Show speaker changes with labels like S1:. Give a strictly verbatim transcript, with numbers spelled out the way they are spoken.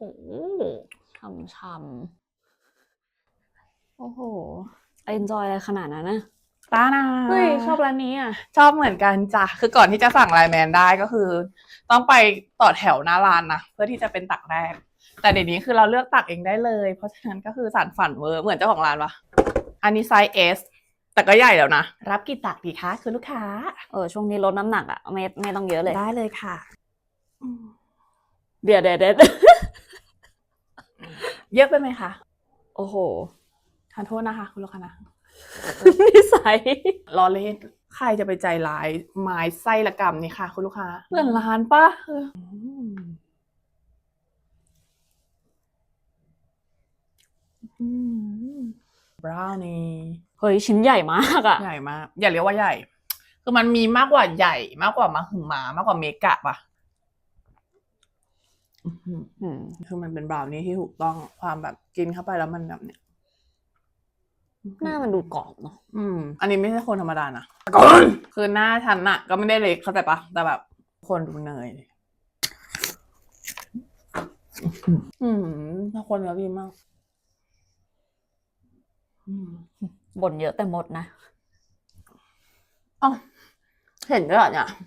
S1: ช่ำๆโอ้โหเอนจอยอะไรขนาดนั้นนะ
S2: ตานา
S1: เฮ้ยชอบร้านนี้อ่ะ
S2: ชอบเหมือนกันจ้ะคือก่อนที่จะสั่งไลน์แมนได้ก็คือ ต้องไปต่อแถวหน้าร้านนะเพื่อที่จะเป็นตักแรกแต่เดี๋ยวนี้คือเราเลือกตักเองได้เลยเพราะฉะนั้นก็คือสานฝันเวอร์เหมือนเจ้าของร้านปะอันนี้ไซส์ S แต่ก็ใหญ่แล้วนะรับกี่ตักดีคะคุณลูกค้า
S1: เออช่วงนี้ลดน้ำหนักอ่ะไม่ไม่ต้องเยอะเลย
S2: ได้เลยค่ะ
S1: เดี๋ยวเดี๋ยวเดี๋ยว
S2: เยอะไปไหมคะ
S1: โอ้โห
S2: ทานโทษนะคะคุณลูกค้านะ
S1: นิสัย
S2: ล้อเล่นใครจะไปใจร้ายไม้ไส้ละกำนี่ค่ะคุณลูกค้าเงินล้านปะเอออืมบราวนี่
S1: เฮ้ยชิ้นใหญ่มากอ่ะ
S2: ใหญ่มากอย่าเรียกว่าใหญ่ คือมันมีมากกว่าใหญ่มากกว่ามาหึมามากกว่าเมกะปะอื้อหือ
S1: อืม
S2: คือมันเป็นบราวนี่ที่ถูกต้องความแบบกินเข้าไปแล้วมันแบบเนี้ย
S1: หน้ามันดูกรอบเนาะ
S2: อืม อันนี้ไม่ใช่คนธรรมดานะคือหน้าฉันอะก็ไม่ได้เล็กเข้าใจปะแต่แบบคนดูเนยอืมถ้าคนแล้วดีมากอืม
S1: บ่นเยอะแต่หมดนะ
S2: อ๋อเห็นด้วยเหรอเนี่ย